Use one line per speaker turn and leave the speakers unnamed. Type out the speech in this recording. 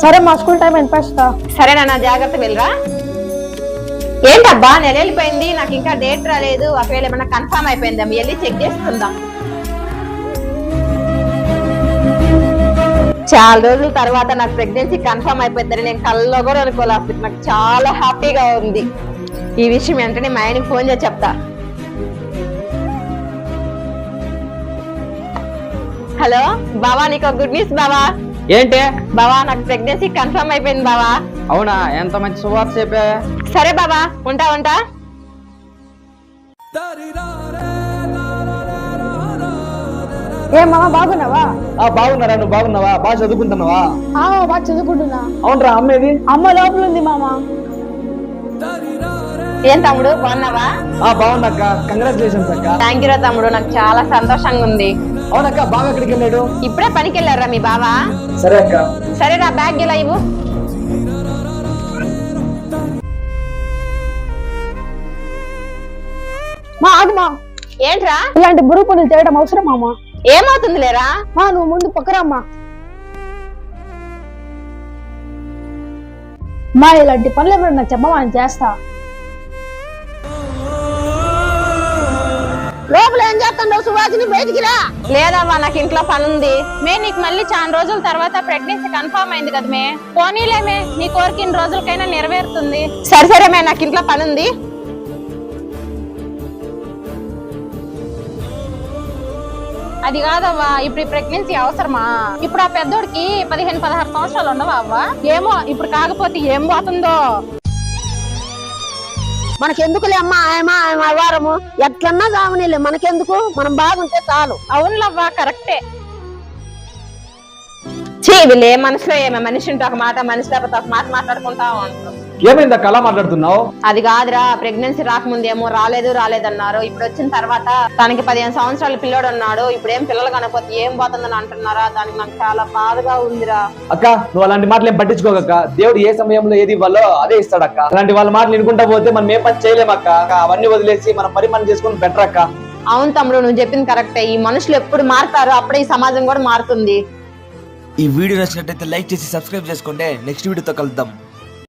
సరే మా school time ఎంత
సరేనా, జాగ్రత్త వెళ్ళరా. ఏంటబ్బా నెల వెళ్ళిపోయింది, నాకు ఇంకా డేట్ రాలేదు. ఒకవేళ ఏమన్నా కన్ఫర్మ్ అయిపోయిందా, వెళ్ళి చెక్ చేసుకుందాం. చాలా రోజుల తర్వాత నాకు ప్రెగ్నెన్సీ కన్ఫర్మ్ అయిపోయిందని నేను కల్లో కూడా అనుకోలేదు. నాకు చాలా హ్యాపీగా ఉంది. ఈ విషయం వెంటనే మా ఆయనకి ఫోన్ చేసి చెప్తా. హలో బావా, నీకు గుడ్ న్యూస్ బావా.
ఏంటి
బావా, నాకు ప్రెగ్నెన్సీ కన్ఫర్మ్ అయిపోయింది బావా.
అవునా, ఎంత మంచి శుభార్త చెప్పా.
సరే బావా, ఉంటా.
ఏ మామ బాగున్నావా?
బాగున్నారా, నువ్వు బాగున్నావా? బాగా చదువుకుంటున్నావా?
బాగా చదువుకుంటున్నా.
అవునరా, అమ్మేది?
అమ్మ లోపల ఉంది మామ.
ఏం తమ్ముడు, బాగున్నావా?
బాగున్నాక, కంగ్రాచులేషన్స్ అక్క.
థ్యాంక్ యూ రా తమ్ముడు, నాకు చాలా సంతోషంగా ఉంది.
అవునక్క, బాగా ఎక్కడికి వెళ్ళాడు?
ఇప్పుడే పనికి వెళ్ళారా మీ బావా?
సరే అక్క.
సరే రా, బ్యాగ్ ఇలా ఇవ్వు.
ఆగుమా.
ఏంట్రా?
ఇలాంటి బురుగు పనులు చేయడం అవసరం మామ.
ఏమవుతుంది లేరా?
నువ్వు ముందు పక్కరమ్మా. ఇలాంటి పనులు ఏమైనా చెప్పమా, అని చేస్తా.
లోపల ఏం చేస్తావు సుభాషిని? బయటికి రా. లేదమ్మా, నాకు ఇంట్లో పని ఉంది. నీకు మళ్ళీ చాలా రోజుల తర్వాత ప్రెగ్నెన్సీ కన్ఫర్మ్ అయింది కదా మే. పోనీలేమే, నీ కోరిక ఇన్ని రోజులకైనా నెరవేరుతుంది. సరే మే, నాకు ఇంట్లో పని ఉంది. అది కాదవ్వా, ఇప్పుడు ఈ ప్రెగ్నెన్సీ అవసరమా? ఇప్పుడు ఆ పెద్దోడికి 15-16 సంవత్సరాలు ఉండవా అవ్వా? ఏమో, ఇప్పుడు కాకపోతే ఏం పోతుందో.
మనకెందుకులే అమ్మా, వారము ఎట్లన్నా కావనిలే, మనకెందుకు, మనం బాగుంటే చాలు.
అవునులవ్వా, కరెక్టే. వీళ్ళు ఏ మనసులో ఏమే, మనిషి ఉంటే ఒక మాట, మనిషి లేకపోతే ఒక మాట మాట్లాడుకుంటా ఉంటారు.
ఏమైంది అక్క, అలా మాట్లాడుతున్నావు?
అది కాదురా, ప్రెగ్నెన్సీ రాకముందేమో రాలేదన్నారు. ఇప్పుడు వచ్చిన తర్వాత తనకి 15 సంవత్సరాల పిల్లోడు ఉన్నాడు. ఇప్పుడు ఏం పిల్లలు కనకపోతే ఏం పోతుందని అంటున్నారా? దానికి నాకు చాలా బాధగా ఉందిరా.
అక్క, నువ్వు అలాంటి మాటలు ఏం పట్టించుకోక. దేవుడు ఏ సమయంలో ఏది ఇవ్వాలో అదే ఇస్తాడక్క. అలాంటి వాళ్ళ మాటలు వినుకుంటా పోతే మనం ఏ పని చేయలేమక్క. అవన్నీ వదిలేసి మనం పని చేసుకుని బెటర్ అక్క.
అవును తమ్ముడు, నువ్వు చెప్పింది కరెక్టే. ఈ మనుషులు ఎప్పుడు మారుతారో అప్పుడే ఈ సమాజం కూడా మారుతుంది.
ఈ వీడియో నచ్చినట్లయితే లైక్ చేసి సబ్స్క్రైబ్ చేసుకోండి. నెక్స్ట్ వీడియోతో కలుద్దాం.